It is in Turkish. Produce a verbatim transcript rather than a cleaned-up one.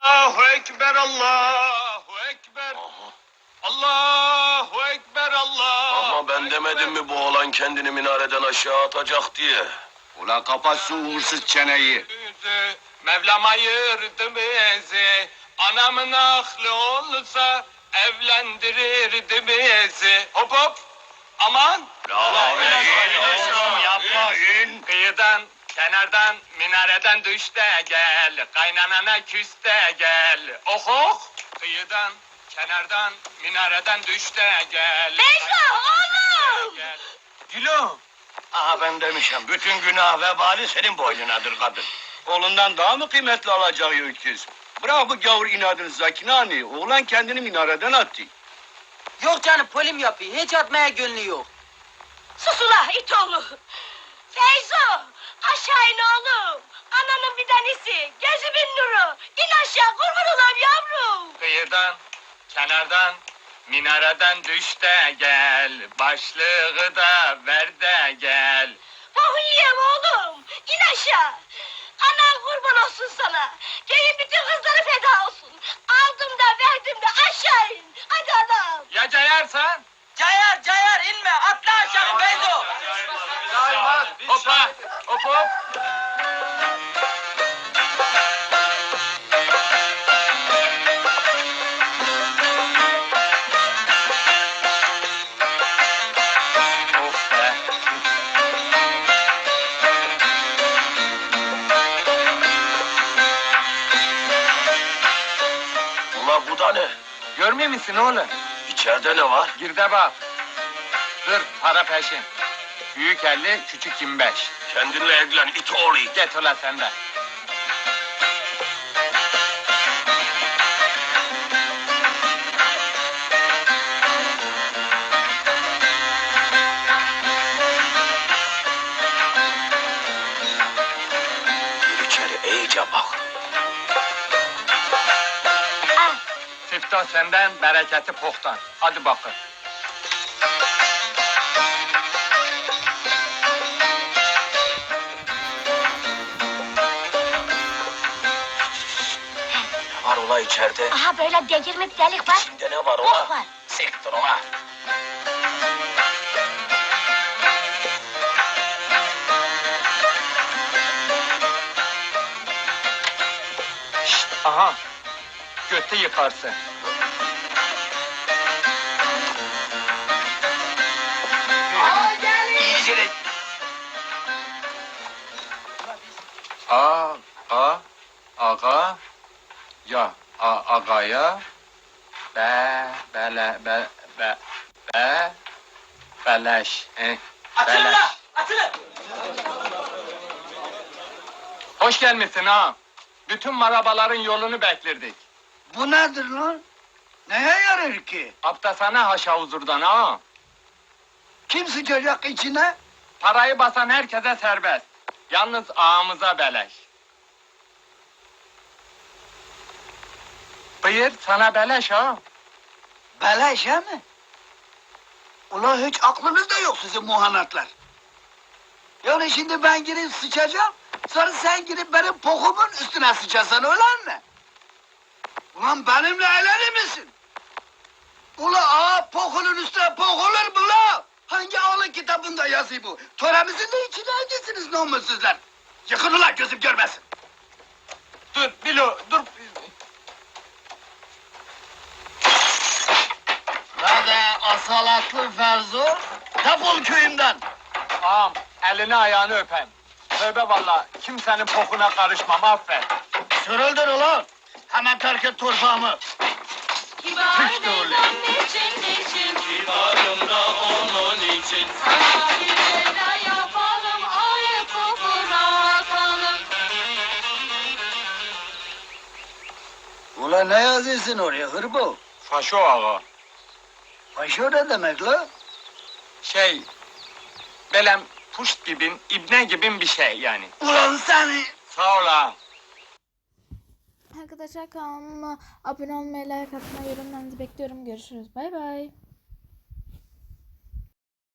Allahu Ekber, Allahu Ekber. Allahu Ekber, Allahu Ama ben demedim mi bu oğlan kendini minareden aşağı atacak diye? Ula kapat şu uğursuz çeneyi. Yüzü, Mevlam ayırdı bizi. Anamın aklı olsa evlendirirdi bizi. Hop hop. Aman. Yapmayın. Kıyıdan, kenardan, minareden düş de gel. Kaynanana küs de gel. Oh oh. Kıyıdan, kenardan, minareden düş de gel. Beyza, oğlum! Gel. Gülüm. Aha ben demişim, bütün günah vebali senin boynunadır kadın. Oğlundan daha mı kıymetli alacağı öküz? Bırak bu gavur inadını Zakinani, oğlan kendini minareden attı. Yok canım polim yapıyor. Hiç atmaya gönlü yok. Sus ula it oğlu! Feyzo! Aşağı in oğlum! Ananın bir tanesi, gözümün nuru! İn aşağı, kurban olam yavrum! Kıyıdan, kenardan, minareden düş de gel. Başlığı da ver de gel. Fahulliyem oğlum! İn aşağı! Anan kurban olsun sana! Köyün bütün kızları feda olsun! Aldım da verdim de aşağı in! Hadi anam! Ya cayarsan? Cayar cayar inme. Atla aşağı Beyzo. Hoppa, hop hop. Of be. Ula bu da ne? Görmüyor musun oğlum? İçeride ne var? Gir de bak. Dur, para peşin. Büyük elli, küçük yirmi beş. Kendinle ilgilen it oğlu it. Get ulan sen de. Gir içeri iyice bak. Ah! Siftah senden, bereketi pohtan. Hadi bakın. Ne var ula içeride? Aha böyle delirme bir delik var. İçinde ne var Bok ula? var. Siktir ula. Aha, götü yıkarsın. İyice de... A, a, aga, ya, a, agaya, be, bele, be, be, be, beleş, eh, Atılın beleş. la. Atılın. Hoş gelmişsin ha. Bütün marabaların yolunu beklerdik. Bu nedir lan? Neye yarar ki? Aptasana haşa huzurdan ha. Kim sıçacak içine? Parayı basan herkese serbest. Yalnız ağamıza beleş. Buyur sana beleş ha. Beleş he mi? Ulan hiç aklınız da yok sizin muhanatlar. Yani şimdi ben girip sıçacağım, sonra sen girip benim pokumun üstüne sıçasan öyle mi? Ulan benimle eğlenir misin? Ula ağa pokunun üstüne pok olur mu la? Hangi ağlı kitabında yazıyor bu? Töremizin de içine hangisiniz namussuzlar? Yıkın ulan gözüm görmesin. Dur Bilo dur. Hadi asalatlı Ferzo, defol köyümden. Ağam elini ayağını öpem. Tövbe valla kimsenin pokuna karışmam affet. Sürüldür ulan. Hemen terk et torpağımı. Kibar Hiç de öyle. Beyza'm niçin niçin? Kibarım da onun için. Sana bir veda yapalım, ayıpı bırakalım. Ulan ne yazıyorsun oraya hırbo? Faşo ağa. Paşo ne demek la? Şey, belem puşt gibin, ibne gibin bir şey yani. Ulan seni! Sağ ol ağam. Arkadaşlar kanalıma abone olmayı, like atmayı, yorumlarınızı bekliyorum. Görüşürüz. Bay bay.